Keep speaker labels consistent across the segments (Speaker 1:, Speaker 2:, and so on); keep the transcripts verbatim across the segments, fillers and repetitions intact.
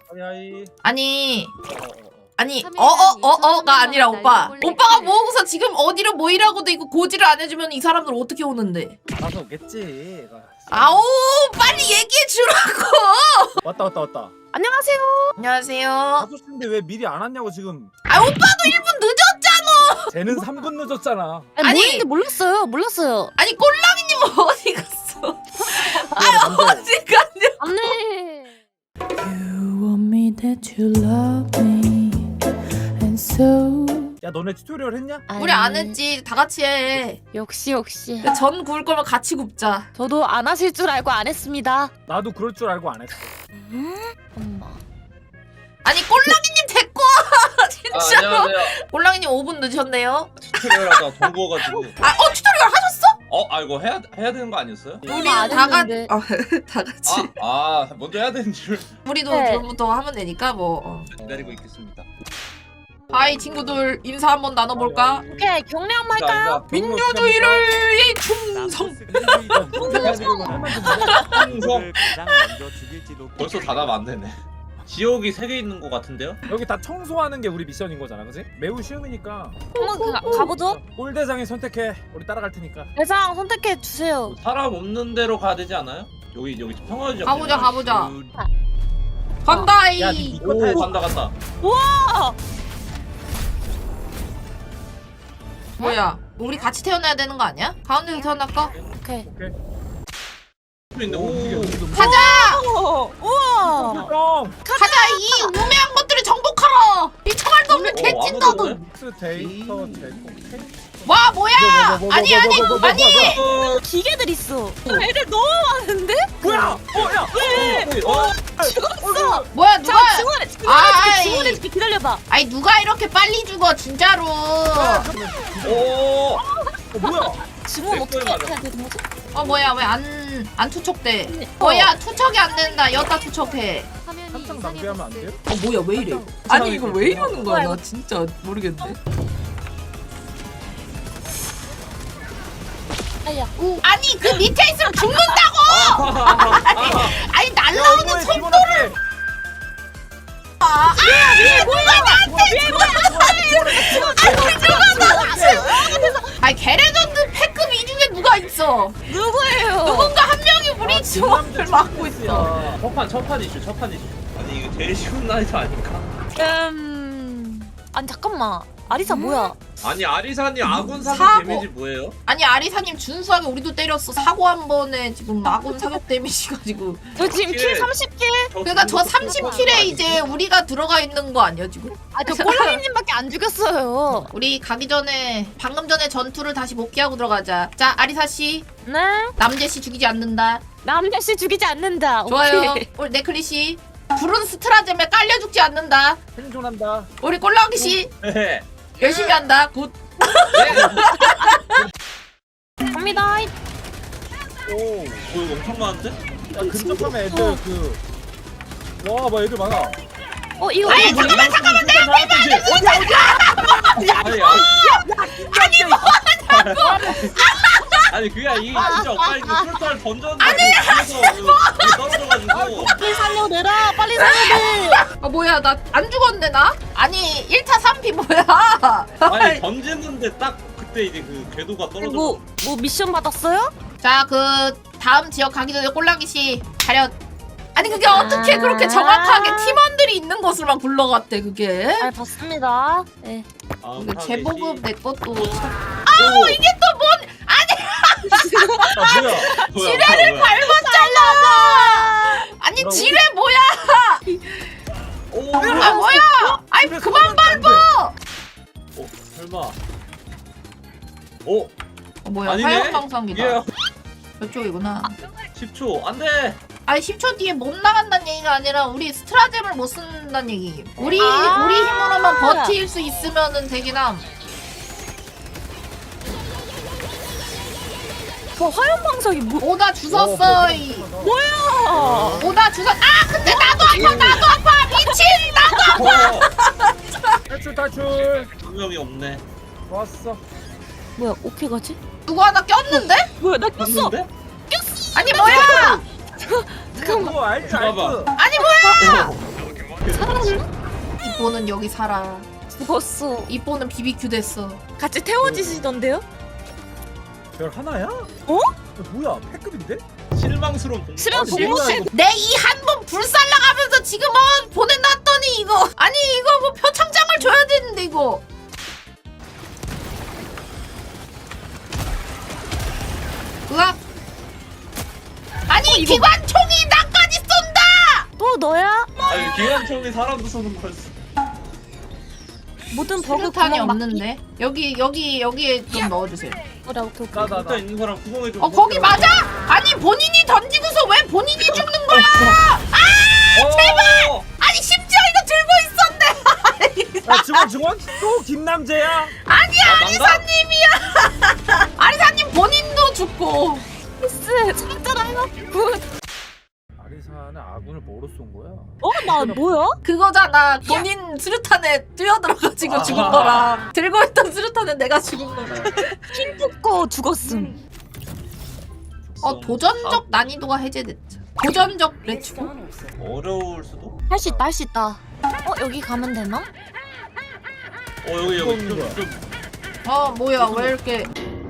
Speaker 1: 하이 하이.
Speaker 2: 아니
Speaker 1: 어, 어, 어.
Speaker 2: 아니 어어어어가 아니라 오빠 오빠가 모으고서 지금 어디로 모이라고 돼 있고 고지를 안 해주면 이 사람들 어떻게 오는데?
Speaker 1: 알아서 오겠지.
Speaker 2: 아오 빨리 얘기해 주라고.
Speaker 1: 왔다 왔다 왔다.
Speaker 2: 안녕하세요. 안녕하세요.
Speaker 1: 다섯 시인데 왜 미리 안 왔냐고 지금.
Speaker 2: 아 오빠도 일 분 늦었잖아.
Speaker 1: 쟤는 삼 분 늦었잖아.
Speaker 3: 아니,
Speaker 2: 아니.
Speaker 3: 모르는데 몰랐어요. 몰랐어요.
Speaker 2: 아니 꼴랑이님 어디 갔어? 아
Speaker 1: 남자.
Speaker 2: 어디 갔냐?
Speaker 3: 안돼.
Speaker 4: You want me that you love me and so
Speaker 1: 야 너네 튜토리얼 했냐?
Speaker 2: 우리 안 했지. 다 같이 해.
Speaker 3: 역시 역시.
Speaker 2: 전 구울 거면 같이 굽자.
Speaker 3: 저도 안 하실 줄 알고 안 했습니다.
Speaker 1: 나도 그럴 줄 알고 안 했어.
Speaker 3: 음? 엄마.
Speaker 2: 아니 꼴랑이님 데리고 와.
Speaker 5: 아,
Speaker 2: 진짜로.
Speaker 5: 안녕하세요.
Speaker 2: 꼴랑이님 오 분 늦으셨네요.
Speaker 5: 튜토리얼 하다가 돈 구워가지고.
Speaker 2: 아 어 튜토리얼 하셨어?
Speaker 5: 어, 아 이거 해야 해야 되는 거 아니었어요?
Speaker 2: 우리는
Speaker 3: 안
Speaker 2: 다 같이
Speaker 3: 했는데.
Speaker 2: 어, 다 같이.
Speaker 5: 아, 아 먼저 해야 되는 줄
Speaker 2: 우리도
Speaker 3: 네.
Speaker 2: 지금부터 하면 되니까 뭐. 어.
Speaker 5: 기다리고 있겠습니다.
Speaker 2: 하이 친구들 인사 한번 나눠볼까?
Speaker 3: 오케이 경례 한번
Speaker 5: 자,
Speaker 3: 할까요?
Speaker 5: 자,
Speaker 2: 민주주의를 충성.
Speaker 5: 충성. 벌써 다 나면 안 되네. 지옥이 세 개 있는 것 같은데요?
Speaker 1: 여기 다 청소하는 게 우리 미션인 거잖아, 그지? 매우 쉬우니까
Speaker 3: 한번 그, 가- 가보죠.
Speaker 1: 꼴대장이 선택해. 우리 따라갈 테니까.
Speaker 3: 대장 선택해 주세요.
Speaker 5: 사람 없는 데로 가야 되지 않아요? 여기 여기 평화지역.
Speaker 2: 가보자, 가보자.
Speaker 5: 그-
Speaker 2: 간다이.
Speaker 1: 야, 니 이거 타야지.
Speaker 5: 오, 간다 간다.
Speaker 3: 와.
Speaker 2: 뭐야? 우리 같이 태어나야 되는 거 아니야? 가운데서 태어날까?
Speaker 3: 오케이.
Speaker 1: 오케이.
Speaker 5: 근데
Speaker 1: 오,
Speaker 5: 오,
Speaker 2: 가자!
Speaker 3: 오, 우와.
Speaker 1: 형,
Speaker 2: 가자! 이 우매한 것들을 정복하라! 이 청할 수 없는
Speaker 5: 어,
Speaker 2: 개찐다들!
Speaker 5: 아무도
Speaker 1: 믹스 데이터 제공.
Speaker 2: 와 뭐야! 아니 아니 아니!
Speaker 3: 기계들 있어. 애들 너무 많은데?
Speaker 1: 뭐야? 어, 야.
Speaker 5: 어,
Speaker 3: 죽었어.
Speaker 2: 뭐야 누가?
Speaker 3: 자 증언해.
Speaker 2: 아이.
Speaker 3: 증언해줄게. 증언해줄게. 기다려봐.
Speaker 2: 아니 누가 이렇게 빨리 죽어 진짜로!
Speaker 5: 오,
Speaker 1: 어, 뭐야?
Speaker 3: 증언
Speaker 5: 내
Speaker 3: 어떻게
Speaker 5: 거에 맞아.
Speaker 3: 해야 되는 거지?
Speaker 2: 어 뭐야 왜 안 안 투척돼? 뭐야 투척이 안 된다. 여기다 투척해.
Speaker 1: 한창 낭비하면 안 돼요?
Speaker 2: 어 뭐야 왜 이래? 아니 이거 왜 이러는 거야? 나 진짜 모르겠네.
Speaker 3: 아야.
Speaker 2: 아니 그 밑에 있으면 죽는다고! 아니, 아니 날라오는 속.
Speaker 1: 속도를.
Speaker 2: 아, 아 뭐야 나한테 아니 게레전드 패급 이 중에 누가 있어?
Speaker 3: 누구예요?
Speaker 2: 누군가 한 명이 우리 지원을 막고 있어.
Speaker 5: 첫판 첫판 이슈 첫판 이슈. 아니 이거 제일 쉬운 난이도 아닌가?
Speaker 3: 음. 아니 잠깐만. 아리사 뭐야?
Speaker 5: 아니 아리사님 아군 사격
Speaker 2: 사고.
Speaker 5: 데미지 뭐예요?
Speaker 2: 아니 아리사님 준수하게 우리도 때렸어. 사고 한 번에 지금 아군 사격 데미지 가지고.
Speaker 3: 저 지금 킬
Speaker 5: 킬.
Speaker 3: 삼십 킬?
Speaker 2: 그러니까 저 삼십 킬에 이제 우리가 들어가 있는 거 아니야 지금?
Speaker 3: 아 저 꼴랑이님밖에 안 죽였어요.
Speaker 2: 우리 가기 전에 방금 전에 전투를 다시 복귀하고 들어가자. 자 아리사 씨,
Speaker 3: 네?
Speaker 2: 남재 씨 죽이지 않는다.
Speaker 3: 남자 씨 죽이지 않는다.
Speaker 2: 좋아요.
Speaker 3: 오케이.
Speaker 2: 우리 네클리 씨, 불은 스트라잼에 깔려 죽지 않는다.
Speaker 1: 생존한다.
Speaker 2: 우리 꼴랑이 씨
Speaker 5: 네.
Speaker 2: 열심히 한다. 굿.
Speaker 3: 갑니다.
Speaker 1: 오.
Speaker 5: 오, 엄청 많은데?
Speaker 1: 야, 근접하면 애들 그. 와, 뭐 애들 많아.
Speaker 3: 어 이거
Speaker 2: 아니
Speaker 3: 이거
Speaker 2: 잠깐만 잠깐만 내 앞에
Speaker 5: 아니 아니
Speaker 1: 아니 뭐?
Speaker 5: 아니 그게 이게 진짜 엇갈리고 술살 던졌는데 뒤에서 떨어져가지고
Speaker 3: 빨리 살려내라. 빨리 살려내.
Speaker 2: 아 뭐야 나 안 죽었는데 나? 아니 일 타 삼 피 뭐야?
Speaker 5: 아니 던지는데 딱 그때 이제 그 궤도가 떨어져.
Speaker 3: 뭐, 뭐 미션 받았어요?
Speaker 2: 자 그 다음 지역 가기 전에 꼴랑이 씨 차렷. 아니 그게 어떻게 그렇게 정확하게 팀원들이 있는 곳으로만 굴러갔대 그게?
Speaker 3: 잘 봤습니다. 네.
Speaker 5: 아,
Speaker 2: 이거 제보급 내 것도.
Speaker 5: 아우
Speaker 2: 이게 또 뭔?
Speaker 1: 아, 뭐야?
Speaker 5: 지뢰를
Speaker 2: 밟았잖아. 아니
Speaker 1: 뭐라고?
Speaker 2: 지뢰 뭐야?
Speaker 5: 오,
Speaker 2: 아 뭐야? 아이
Speaker 1: 지뢰
Speaker 2: 그만
Speaker 1: 쏘면 안 돼.
Speaker 2: 밟아.
Speaker 5: 어, 설마. 오,
Speaker 2: 어, 뭐야
Speaker 5: 아니네?
Speaker 2: 화염 방사기다.
Speaker 5: 이게
Speaker 2: 저쪽이구나.
Speaker 5: 십 초 안돼.
Speaker 2: 아니 십 초 뒤에 못 나간다는 얘기가 아니라 우리 스트라잼을 못 쓴다는 얘기. 우리
Speaker 3: 아.
Speaker 2: 우리 힘으로만 버틸 수 있으면은 되긴 함.
Speaker 3: 저 화염 방석이 뭐?
Speaker 2: 오다 주웠어. 이.
Speaker 3: 뭐야?
Speaker 2: 오다 주웠. 아 근데 나도 아파 나도 아파 미친 나도.
Speaker 5: 어,
Speaker 1: 탈출 탈출.
Speaker 5: 한 명이 없네.
Speaker 1: 좋았어.
Speaker 3: 뭐야? 어떻게 가지?
Speaker 2: 누구 하나 꼈는데?
Speaker 3: 뭐야? 나 꼈어.
Speaker 5: 없는데?
Speaker 2: 아니 뭐야?
Speaker 1: 잠깐만. 뭐 알지 알지.
Speaker 5: 봐봐.
Speaker 2: 아니 뭐야?
Speaker 3: 살았나?
Speaker 2: 이뽀는 여기 살아.
Speaker 3: 죽었어.
Speaker 2: 이뽀는 비비큐 됐어.
Speaker 3: 같이 태워지시던데요?
Speaker 1: 별 하나야?
Speaker 3: 어?
Speaker 1: 뭐야 패급인데?
Speaker 5: 실망스러운 공.
Speaker 3: 실은
Speaker 1: 아니,
Speaker 3: 복무
Speaker 1: 뭐야, 이거.
Speaker 2: 내 이 한 번 불살라가면서 지금 어 보내놨더니 이거 아니 이거 뭐 표창장을 줘야 되는데 이거. 으악. 아니 기관총이 나까지 쏜다.
Speaker 3: 또 너야?
Speaker 5: 아니 기관총이 사람도 쏘는 거였어.
Speaker 3: 모든 버그
Speaker 2: 수류탄이
Speaker 3: 구멍 막기.
Speaker 2: 없는데 여기 여기 여기에 좀 넣어주세요.
Speaker 3: 그래 오케이 오케이.
Speaker 1: 나, 나, 나.
Speaker 5: 일단 있는 사람 구멍에 좀.
Speaker 2: 어 거기 맞아? 아니 본인이 던지고서 왜 본인이 죽는 거야?
Speaker 5: 아 제발.
Speaker 2: 아니 심지어 이거 들고 있었네.
Speaker 1: 야 증원 증원? 또 김남재야?
Speaker 2: 아니야
Speaker 5: 아, 난가?
Speaker 2: 아리사님이야. 아리사님 본인도 죽고.
Speaker 3: 미스 찾잖아요. 굿.
Speaker 1: 아리사는 아군을 뭐로 쏜 거야?
Speaker 3: 어? 나 뭐야?
Speaker 2: 그거잖아. 본인 수류탄에 뛰어들어가지고
Speaker 5: 아.
Speaker 2: 죽은 거랑 들고 있던 수류탄에 내가 죽은 거랑.
Speaker 3: 흰 뽑고 죽었음.
Speaker 2: 어 도전적 난이도가 해제됐죠. 도전적 레츠고.
Speaker 5: 어려울 수도.
Speaker 3: 할 수 있다 할 수 있다. 어 여기 가면 되나?
Speaker 5: 어 여기 여기 좀 좀.
Speaker 2: 어 뭐야 왜 이렇게.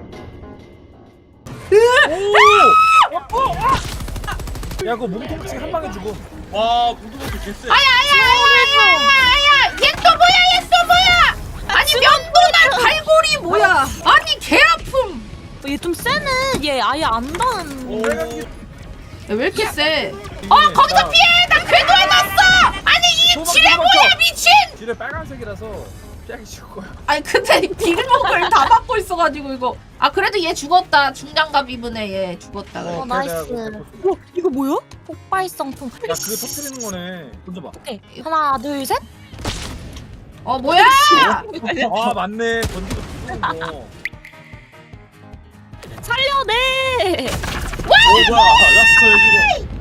Speaker 1: 야 그거 몸통치 한 방에 죽어.
Speaker 5: 와 무드먹기 개쎄.
Speaker 2: 아야야야야야야 얘 또 뭐야 얘 또 뭐야. 아니 면도날 발골이 뭐야. 아니 개 아픔.
Speaker 3: 얘 좀 세네. 얘 아예 안 닿은.
Speaker 5: 오.
Speaker 2: 야, 왜 이렇게 세? 어 거기서 피해! 나 궤도에 넣었어! 아니 이게
Speaker 1: 도망,
Speaker 2: 지뢰
Speaker 1: 도망쳐.
Speaker 2: 뭐야 미친!
Speaker 1: 뒤에 빨간색이라서 피하기 쉬울 거야.
Speaker 2: 아니 근데 딜목을 다 막고 있어가지고 이거 아 그래도 얘 죽었다. 중장갑 입은 애얘 죽었다. 그래.
Speaker 3: 어,
Speaker 1: 그래,
Speaker 3: 나이스.
Speaker 1: 내가 그거
Speaker 3: 어 이거 뭐야? 폭발성통.
Speaker 1: 야 그거 터뜨리는 거네. 던져봐.
Speaker 3: 오케이 하나 둘 셋.
Speaker 2: 어 뭐야!
Speaker 1: 아 맞네. 던지고 죽는 거.
Speaker 3: 살려내.
Speaker 5: 오 뭐야 라스트 해주고.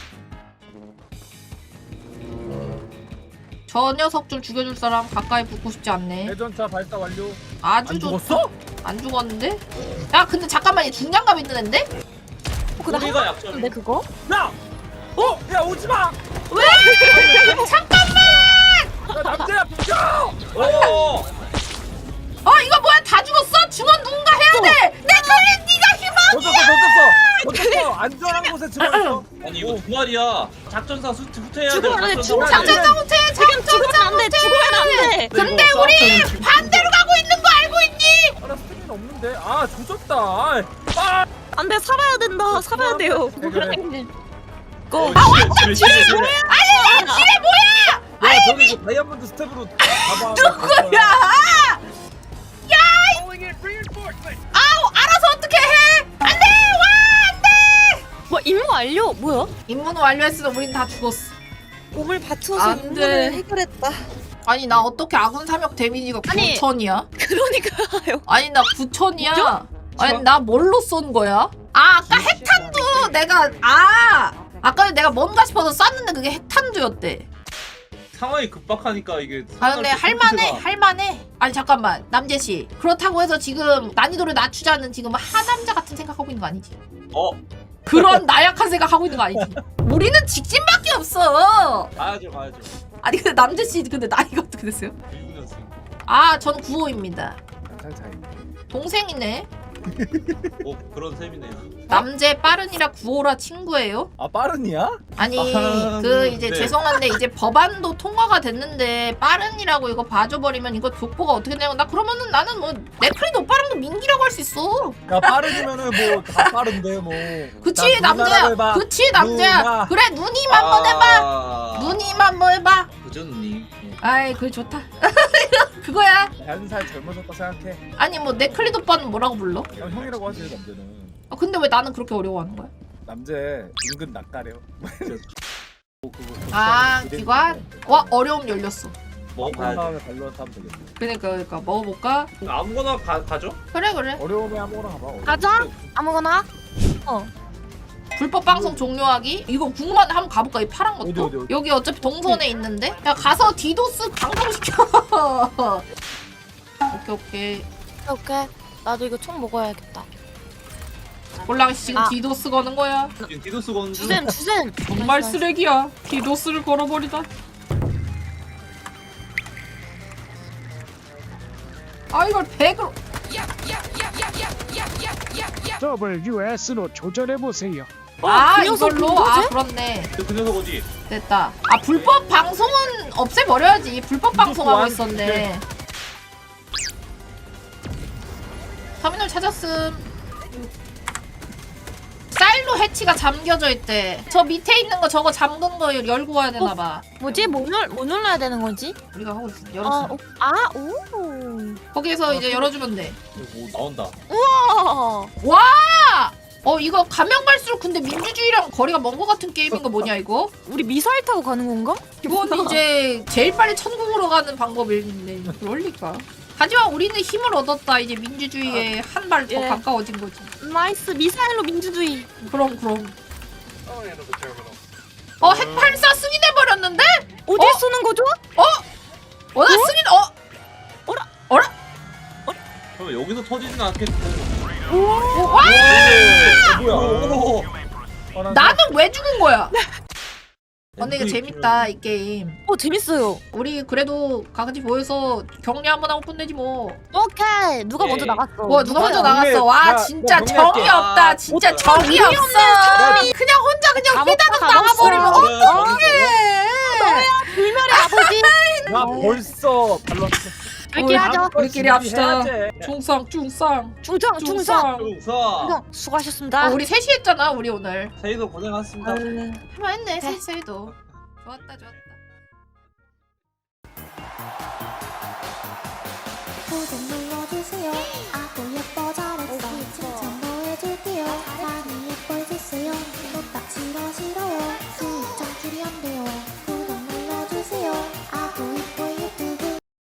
Speaker 2: 저 녀석 좀 죽여줄 사람 가까이 붙고 싶지 않네.
Speaker 1: 대전차 발사 완료.
Speaker 2: 아주
Speaker 1: 안
Speaker 2: 좋.
Speaker 1: 죽었어?
Speaker 2: 안 죽었는데? 야 근데 잠깐만 얘 중장갑 있는 앤데?
Speaker 3: 어, 근데
Speaker 5: 우리가
Speaker 3: 한
Speaker 5: 약점이.
Speaker 3: 번인데 그거?
Speaker 1: 야! 어? 야 오지 마!
Speaker 2: 왜? 잠깐만!
Speaker 1: 야 남자야 비켜!
Speaker 5: 오.
Speaker 2: 어 이거 뭐야 다 죽었어? 중원 누군가 해야 돼! 내 걸린 네가 희망!
Speaker 1: 던졌어 던졌어! 던졌어! 안전한 곳에 집어넣어.
Speaker 5: 아니 이거 두 마리야. 작전사 수 후퇴해야 돼.
Speaker 3: 죽으면 안 돼, 죽으면 안 돼.
Speaker 2: 작전사 못해!
Speaker 3: 죽으면
Speaker 2: 작전사
Speaker 3: 안 돼.
Speaker 2: 못해!
Speaker 3: 죽으면 안 돼.
Speaker 2: 근데
Speaker 5: 이거
Speaker 2: 우리
Speaker 5: 싸웠잖아,
Speaker 2: 반대로 가고 있는 거 알고 있니?
Speaker 1: 아, 나 스태미나 없는데. 아 조졌다. 아, 아!
Speaker 3: 안돼 살아야 된다. 살아야 돼요.
Speaker 1: 그래, 그래.
Speaker 3: 고.
Speaker 5: 아 지뢰 지뢰 지뢰.
Speaker 2: 아니 지뢰 뭐야!
Speaker 1: 야 저기 그 다이아몬드 스텝으로 가봐.
Speaker 2: 누구야! 야! 아우 알아서 어떻게 해! 안돼! 와 안돼!
Speaker 3: 뭐 임무 완료? 뭐야?
Speaker 2: 임무는 완료했으면 우린 다 죽었어.
Speaker 3: 몸을 바쳐서
Speaker 2: 안 돼.
Speaker 3: 임무를 해결했다.
Speaker 2: 아니 나 어떻게 아군 사격 데미지가
Speaker 3: 아니.
Speaker 2: 구천이야?
Speaker 3: 그러니까요.
Speaker 2: 아니 나 구천이야. 아니 나 뭘로 쏜 거야? 아 아까 핵탄두 내가 아 아까 내가 뭔가 싶어서 쐈는데 그게 핵탄두였대.
Speaker 5: 상황이 급박하니까 이게.
Speaker 2: 아 근데 할만해 할만해. 아니 잠깐만 남재씨 그렇다고 해서 지금 난이도를 낮추자는 지금 하남자 같은 생각하고 있는 거 아니지?
Speaker 5: 어
Speaker 2: 그런 나약한 생각하고 있는 거 아니지? 우리는 직진밖에 없어.
Speaker 5: 가야죠 가야죠.
Speaker 2: 아니 근데 남재씨 근데 나이가 어떻게 됐어요?
Speaker 5: 일구 년생.
Speaker 2: 아 전 구호입니다.
Speaker 1: 잘 차이.
Speaker 2: 동생이네.
Speaker 5: 뭐 그런 셈이네요.
Speaker 2: 남재 빠른이라 구호라 친구예요?
Speaker 1: 아 빠른이야?
Speaker 2: 아니
Speaker 5: 아,
Speaker 2: 그 이제
Speaker 5: 네.
Speaker 2: 죄송한데 이제 법안도 통과가 됐는데 빠른이라고 이거 봐줘버리면 이거 족보가 어떻게 되냐고 나 그러면은 나는 뭐 네크리드 오빠랑도 민기라고 할 수 있어.
Speaker 1: 야 빠른이면은 뭐 다 빠른데 뭐.
Speaker 2: 그치
Speaker 1: 나 누나라고
Speaker 2: 남자야.
Speaker 1: 해봐.
Speaker 2: 그치 남자야.
Speaker 1: 누나.
Speaker 2: 그래 누님 한번 해봐.
Speaker 5: 아...
Speaker 2: 누님 한번 해봐.
Speaker 5: 그죠 누님. 예.
Speaker 2: 아이 그게 좋다. 그거야.
Speaker 1: 한 살 젊어졌다 생각해.
Speaker 2: 아니 뭐 네클리드 오빠는 뭐라고 불러?
Speaker 1: 형 형이라고 하지 남자는.
Speaker 2: 아, 근데 왜 나는 그렇게 어려워하는 거야?
Speaker 1: 남자 은근 낯가려. 뭐 그거
Speaker 2: 아
Speaker 1: 기대해
Speaker 2: 기관?
Speaker 1: 주고.
Speaker 2: 와 어려움 열렸어.
Speaker 1: 먹은
Speaker 5: 먹어봐야지.
Speaker 1: 다음에 발로한테 하면 되겠네.
Speaker 2: 그러니까 그러니까 먹어볼까?
Speaker 5: 아무거나 가, 가죠?
Speaker 2: 그래 그래.
Speaker 1: 어려움에 아무거나 가봐. 어려움.
Speaker 3: 가자. 아무거나. 어.
Speaker 2: 불법 방송 종료하기? 이거 궁금한데 한번 가볼까? 이 파란 것도?
Speaker 1: 어디, 어디, 어디?
Speaker 2: 여기 어차피 동선에 있는데? 야 가서 디도스 방송시켜. 오케이 오케이.
Speaker 3: 오케이. 나도 이거 총 먹어야겠다.
Speaker 2: 꼴랑씨 지금
Speaker 3: 아.
Speaker 2: 디도스 거는 거야.
Speaker 5: 지금 디도스 건주.
Speaker 3: 주셈 주셈.
Speaker 2: 정말 쓰레기야. 디도스를 걸어버리다. 아 이걸 백으로.
Speaker 6: 더블유에스로 조절해보세요.
Speaker 2: 아
Speaker 3: 그 녀석
Speaker 2: 이걸로?
Speaker 3: 누구지?
Speaker 2: 아 그렇네.
Speaker 5: 그, 그 녀석 어디?
Speaker 2: 됐다. 아 불법 방송은 없애버려야지. 불법 방송하고 있었네. 터미널 찾았음. 쌀로 해치가 잠겨져 있대. 저 밑에 있는 거 저거 잠근 거 열고 와야 되나봐.
Speaker 3: 뭐지? 뭐, 눌, 뭐 눌러야 되는 거지?
Speaker 2: 우리가 하고 있어.
Speaker 3: 아,
Speaker 2: 열었어.
Speaker 3: 오, 아, 오.
Speaker 2: 거기에서 이제 열어주면 돼.
Speaker 5: 뭐 나온다.
Speaker 3: 우와.
Speaker 2: 와! 어 이거 가면 갈수록 근데 민주주의랑 거리가 먼 거 같은 게임인 거 뭐냐 이거?
Speaker 3: 우리 미사일 타고 가는 건가?
Speaker 2: 이건 이제 제일 빨리 천국으로 가는 방법인데 그럴 리가. 하지만 우리는 힘을 얻었다. 이제 민주주의에 한 발 더
Speaker 3: 예.
Speaker 2: 가까워진 거지.
Speaker 3: 나이스. 미사일로 민주주의.
Speaker 2: 그럼 그럼. 어 핵발사 승인해 버렸는데?
Speaker 3: 어디에
Speaker 2: 어?
Speaker 3: 쏘는 거죠?
Speaker 2: 어? 어? 나 승인 어?
Speaker 3: 어라?
Speaker 2: 어라?
Speaker 5: 그럼 여기서 터지진 않겠고.
Speaker 2: 어, 와!
Speaker 5: 어, 뭐야? 오,
Speaker 1: 어, 나-
Speaker 2: 나는 왜 죽은 거야? 근데 이거 재밌다 이 게임.
Speaker 3: 어, 재밌어요.
Speaker 2: 우리 그래도 같이 모여서 격리 한번 하고 끝내지 뭐.
Speaker 3: 오케이. 누가
Speaker 5: 예.
Speaker 3: 먼저 나갔어?
Speaker 2: 뭐 누가 먼저
Speaker 3: 누구야?
Speaker 2: 나갔어? 와
Speaker 1: 나-
Speaker 2: 진짜
Speaker 1: 나
Speaker 2: 정이
Speaker 1: 정리할게.
Speaker 2: 없다. 진짜 정이 없어. 그냥 혼자 그냥
Speaker 3: 감옥
Speaker 2: 휘다닥
Speaker 3: 가봤어.
Speaker 2: 나가버리면
Speaker 5: 어,
Speaker 2: 어떡해.
Speaker 3: 불멸의 아버지.
Speaker 1: 나 벌써 발랐어.
Speaker 3: 이렇게 하죠.
Speaker 2: 우리끼리 합시다.
Speaker 1: 해야지.
Speaker 2: 중상 중상
Speaker 3: 중성, 중성.
Speaker 2: 중상.
Speaker 5: 용서.
Speaker 3: 중성. 수고하셨습니다.
Speaker 2: 어, 우리 셋이 했잖아 우리 오늘.
Speaker 5: 저희도 고생하셨습니다.
Speaker 3: 아유.
Speaker 2: 할만했네 셋이도. 좋았다 좋았다.
Speaker 7: 구독 눌러주세요. 아구 예뻐 잘했어. 칭찬도 해줄게요. 많이 예뻐해주세요. 또딱 싫어 싫어요.